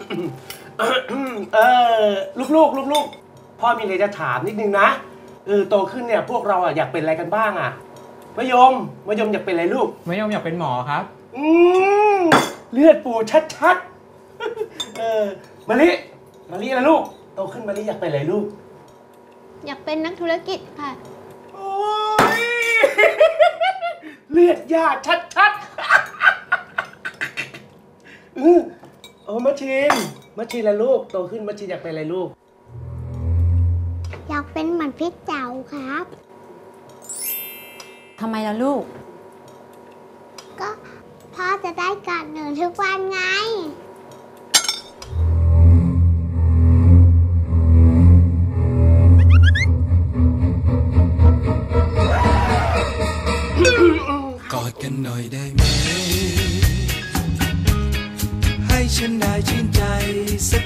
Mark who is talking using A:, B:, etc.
A: เอลูกพ่อมีอะไรจะถามนิดนึงนะโตขึ้นเนี่ยพวกเราอยากเป็นอะไรกันบ้างอะมะยมอยากเป็นอะไรลูก
B: มะยมอยากเป็นหมอครับ
A: เลือดปูชัดมะลินะลูกโตขึ้นมะลิอยากเป็นอะไรลูก
C: อยากเป็นนักธุรกิจค่ะ
A: โอ้ยเลือดยาชัดมัชชินละลูกโตขึ้นมัชชินอยากเป็นอะไรลูก
C: อยากเป็นเหมือนพี่เจ๋าครับ
D: ทำไมล่ะลูก
C: ก็พ่อจะได้กอดหนูทุกวันไง
E: กอดกันหน่อยได้ไหมให้ฉันได้ชื่นใจสัก